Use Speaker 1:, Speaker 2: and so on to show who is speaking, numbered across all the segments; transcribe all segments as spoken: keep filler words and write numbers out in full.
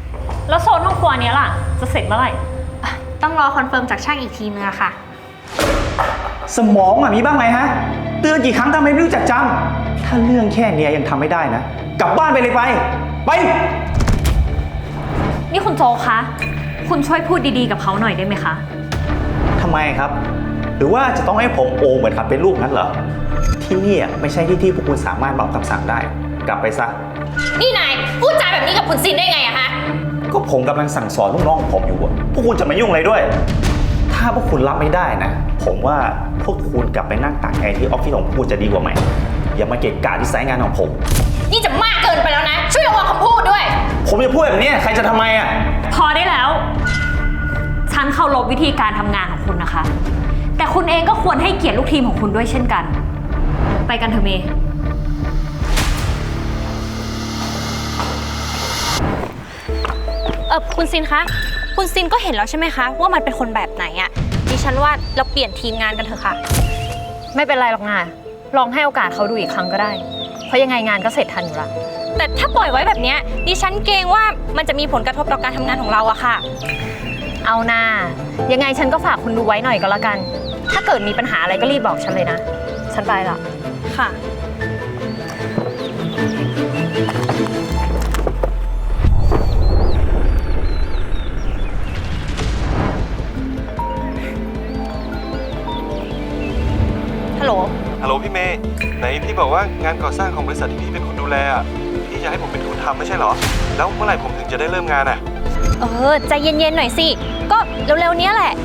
Speaker 1: แล้วโซนห้องครัวนี้ล่ะจะเสร็จเมื่อไหร่
Speaker 2: ต้องรอคอนเฟิร์มจากช่างอีกทีนึงอะค่ะ
Speaker 3: สมองอะมีบ้างไหมฮะเตือนกี่ครั้งทำไมไม่รู้จักจำถ้าเรื่องแค่นี้ยังทำไม่ได้นะกลับบ้านไปเลยไปไป
Speaker 1: นี่คุณโจคะคุณช่วยพูดดีๆกับเขาหน่อยได้ไหมคะ
Speaker 3: ทำไมครับหรือว่าจะต้องให้ผมโอเหมือนครับเป็นลูกนั้นเหรอที่นี่ไม่ใช่ที่ที่พวกคุณสามารถบอกคำสั่งได้กลับไปซะ
Speaker 2: นี่นายพูดจาแบบนี้กับคุณซินได้ไงอะฮะ
Speaker 3: ก็ผมกำลังสั่งสอนลูกน้องของผมอยู่อะพวกคุณจะมายุ่งอะไรด้วยถ้าพวกคุณรับไม่ได้นะผมว่าพวกคุณกลับไปนั่งตากแอร์ที่ออฟฟิศของคุณจะดีกว่าไหมอย่ามาเกะกะที่ไซต์งานของผม
Speaker 2: นี่จะมากเกินไปแล้วนะช่วยระวังคำพูดด้วย
Speaker 3: ผมจะพูดแบบนี้ใครจะทำไมอะ
Speaker 1: พอได้แล้วฉันเคารพวิธีการทำงานของคุณนะคะแต่คุณเองก็ควรให้เกียรติลูกทีมของคุณด้วยเช่นกันไปกันเถอะเมย์
Speaker 2: เออคุณซินคะคุณซินก็เห็นแล้วใช่ไหมคะว่ามันเป็นคนแบบไหนอะดิฉันว่าเราเปลี่ยนทีมงานกันเถอะค่ะ
Speaker 1: ไม่เป็นไรหรอกนะลองให้โอกาสเขาดูอีกครั้งก็ได้เพราะยังไงงานก็เสร็จทันอยู่ละ
Speaker 2: แต่ถ้าปล่อยไว้แบบนี้ดิฉันเกรงว่ามันจะมีผลกระทบต่อการทำงานของเราอะค่ะ
Speaker 1: เอาหน้ายังไงฉันก็ฝากคุณดูไว้หน่อยก็แล้วกันถ้าเกิดมีปัญหาอะไรก็รีบบอกฉันเลยนะฉันไปละ
Speaker 2: ค่ะฮัลโหล
Speaker 4: ฮัลโหลพี่เมย์ไหนพี่บอกว่างานก่อสร้างของบริษัทที่พี่เป็นคนดูแลอ่ะพี่จะให้ผมเป็นคนทำไม่ใช่เหรอแล้วเมื่อไหร่ผมถึงจะได้เริ่มงานอ่ะ
Speaker 2: เออใจเย็นๆหน่อยสิก็เร็วๆนี้แหละ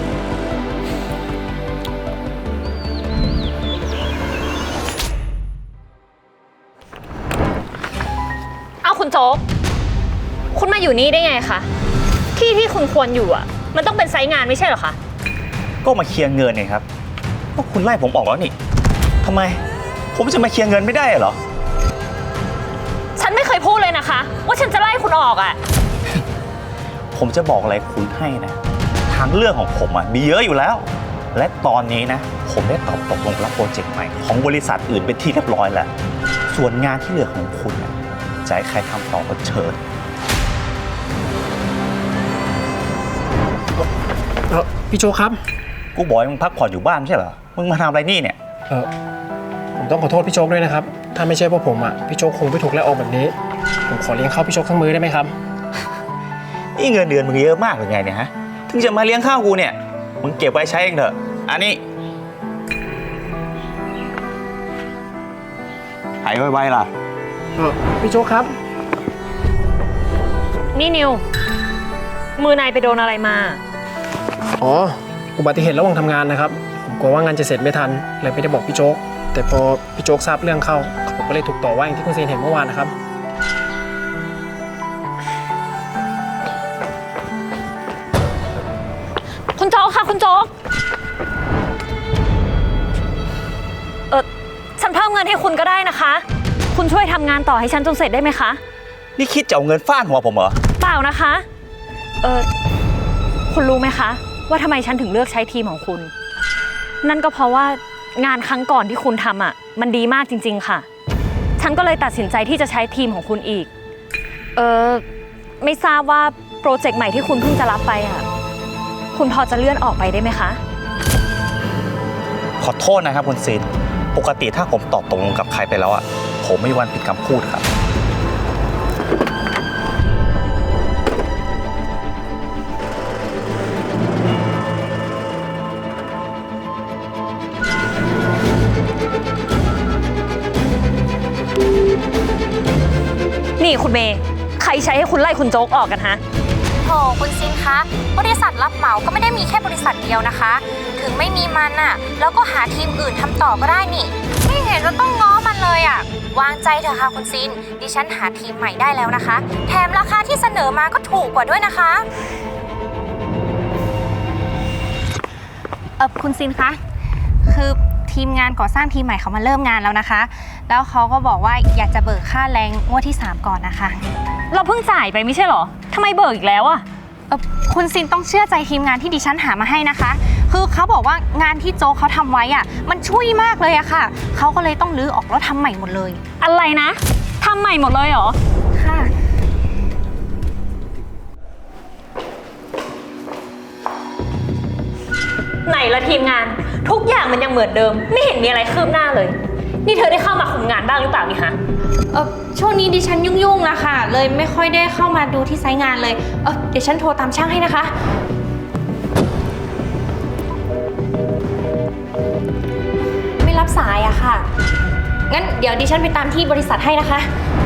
Speaker 1: เอาคุณโจ๊กคุณมาอยู่นี่ได้ไงคะที่ที่คุณควรอยู่อ่ะมันต้องเป็นไซต์งานไม่ใช่เหรอคะ
Speaker 3: ก็มาเคลียร์เงินไงครับก็คุณไล่ผมออกแล้วนี่ทำไมผมจะมาเคลียร์เงินไม่ได้เหรอ
Speaker 1: ฉันไม่เคยพูดเลยนะคะว่าฉันจะไล่คุณออกอ่ะ
Speaker 3: ผมจะบอกอะไรคุณให้นะทางเรื่องของผมอ่ะมีเยอะอยู่แล้วและตอนนี้นะผมได้ตอบตกลงรับโปรเจกต์ใหม่ของบริษัทอื่นเป็นที่เรียบร้อยแล้วส่วนงานที่เหลือของคุณนะจะให้ใครทำต่อก็เชิญ
Speaker 5: เออพี่โจครับ
Speaker 3: กูบอกให้มึงพักผ่อนอยู่บ้านไม่ใช่เหรอมึงมาทำอะไรนี่เนี่ย
Speaker 5: เออผมต้องขอโทษพี่โจ๊กด้วยนะครับถ้าไม่ใช่พวกผมอ่ะพี่โจ๊กคงไม่ถูกไล่ออกแบบนี้ผมขอเลี้ยงข้าวพี่โจ๊กทั้งมื้อได้ไหมครับ
Speaker 3: นี่เงินเดือนมึงเยอะมากหรือไงเนี่ยฮะถึงจะมาเลี้ยงข้าวกูเนี่ยมึงเก็บไว้ใช้เองเถอะอันนี้หายไวๆล่ะ
Speaker 5: เออพี่โจ๊กครับ
Speaker 1: นี่นิวมือนายไปโดนอะไรมา
Speaker 5: อ๋ออุบัติเหตุระหว่างทำงานนะครับผมกลัวว่างานจะเสร็จไม่ทันเลยไม่ได้บอกพี่โจ๊กแต่พอพี่โจ๊กทราบเรื่องเข้าผมก็เลยถูกต่อว่าอย่างที่คุณซีนเห็นเมื่อวานนะครับ
Speaker 1: คุณโจ๊กค่ะคุณโจ๊กเออฉันเพิ่มเงินให้คุณก็ได้นะคะคุณช่วยทำงานต่อให้ฉันจนเสร็จได้ไหมคะ
Speaker 3: นี่คิดจะเอาเงินฟาดหัวผมเหรอ
Speaker 1: เปล่านะคะเออคุณรู้ไหมคะว่าทำไมฉันถึงเลือกใช้ทีมของคุณนั่นก็เพราะว่างานครั้งก่อนที่คุณทำอ่ะมันดีมากจริงๆค่ะฉันก็เลยตัดสินใจที่จะใช้ทีมของคุณอีกเออไม่ทราบว่าโปรเจกต์ใหม่ที่คุณเพิ่งจะรับไปอ่ะคุณพอจะเลื่อนออกไปได้ไหมคะ
Speaker 3: ขอโทษนะครับคุณซีนปกติถ้าผมตอบตกลงกับใครไปแล้วอ่ะผมไม่มีวันผิดคำพูดครับ
Speaker 1: นี่คุณเมย์ใครใช้ให้คุณไล่คุณโจ๊กออกกันฮะ
Speaker 2: โถคุณซินคะบริษัทรับเหมาก็ไม่ได้มีแค่บริษัทเดียวนะคะถึงไม่มีมันน่ะแล้วก็หาทีมอื่นทำต่อก็ได้นี่ไม่เห็นจะต้องง้อมันเลยอ่ะวางใจเถอะค่ะคุณซินดิฉันหาทีมใหม่ได้แล้วนะคะแถมราคาที่เสนอมาก็ถูกกว่าด้วยนะคะเออคุณซินคะคือทีมงานก่อสร้างทีมใหม่เขามาเริ่มงานแล้วนะคะแล้วเขาก็บอกว่าอยากจะเบิกค่าแรงงวดที่สามก่อนนะคะ
Speaker 1: เราเพิ่งจ่ายไปไม่ใช่หรอทำไมเบิกอีกแล้วอะ
Speaker 2: คุณซินต้องเชื่อใจทีมงานที่ดิฉันหามาให้นะคะคือเขาบอกว่างานที่โจ๊กเขาทำไว้อะมันช่วยมากเลยอะค่ะเขาก็เลยต้องรื้อออกแล้วทำใหม่หมดเลย
Speaker 1: อะไรนะทำใหม่หมดเลยเหรอ
Speaker 2: ค่ะ
Speaker 1: ไหนละทีมงาน ทุกอย่างมันยังเหมือนเดิม ไม่เห็นมีอะไรคืบหน้าเลย นี่เธอได้เข้ามาคุมงานบ้างหรือเปล่านี่ฮะ
Speaker 2: เออช่วงนี้ดิฉันยุ่งๆนะคะเลยไม่ค่อยได้เข้ามาดูที่ไซต์งานเลยเออเดี๋ยวฉันโทรตามช่างให้นะคะ ไม่รับสายอะค่ะ งั้นเดี๋ยวดิฉันไปตามที่บริษัทให้นะคะ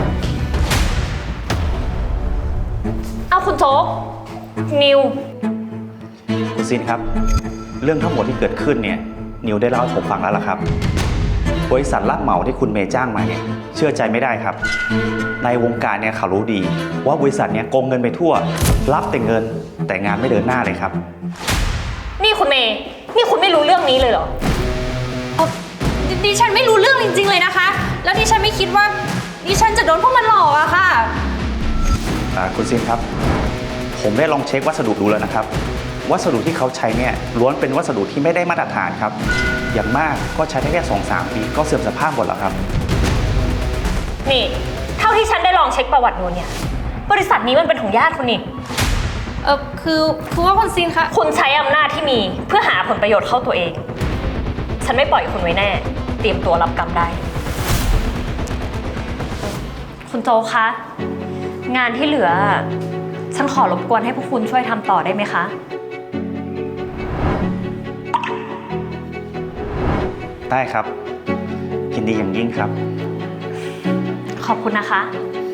Speaker 1: เอาคุณโจ๊ก นิว
Speaker 3: คุณซินครับ เรื่องทั้งหมดที่เกิดขึ้นเนี่ยนิวได้เล่าให้ผมฟังแล้วล่ะครับ บริษัทรับเหมาที่คุณเมย์จ้างมาเนี่ยเชื่อใจไม่ได้ครับ ในวงการเนี่ยเขารู้ดี ว่าบริษัทเนี่ยโกงเงินไปทั่ว รับแต่เงินแต่งานไม่เดินหน้าเลยครับ
Speaker 1: นี่คุณเมย์ นี่คุณไม่รู้เรื่องนี้เลยเหรอ
Speaker 2: เอ่อดดิฉันไม่รู้เรื่องจริงๆเลยนะคะ แล้วดิฉันไม่คิดว่าดิฉันจะโดนพวกมันหลอกอะค่ะ
Speaker 3: อ่าคุณซินครับ ผมได้ลองเช็ควัสดุดูแล้วนะครับ วัสดุที่เขาใช้เนี่ยล้วนเป็นวัสดุที่ไม่ได้มาตรฐานครับ อย่างมากก็ใช้ได้แค่สองสามปีก็เสื่อมสภาพหมดแล้วครับ
Speaker 1: นี่ เท่าที่ฉันได้ลองเช็คประวัตินูนเนี่ย บริษัทนี้มันเป็นของญาติคุณนี่
Speaker 2: เออคือคือว่าคุณซินคะ
Speaker 1: คุณใช้อำนาจที่มีเพื่อหาผลประโยชน์เข้าตัวเอง ฉันไม่ปล่อยคุณไว้แน่ เตรียมตัวรับกรรมได้ คุณโจคะ งานที่เหลือ ฉันขอรบกวนให้พวกคุณช่วยทำต่อได้ไหมคะ
Speaker 3: ได้ครับยินดีอย่างยิ่งครับ
Speaker 1: ขอบคุณนะคะ
Speaker 2: ค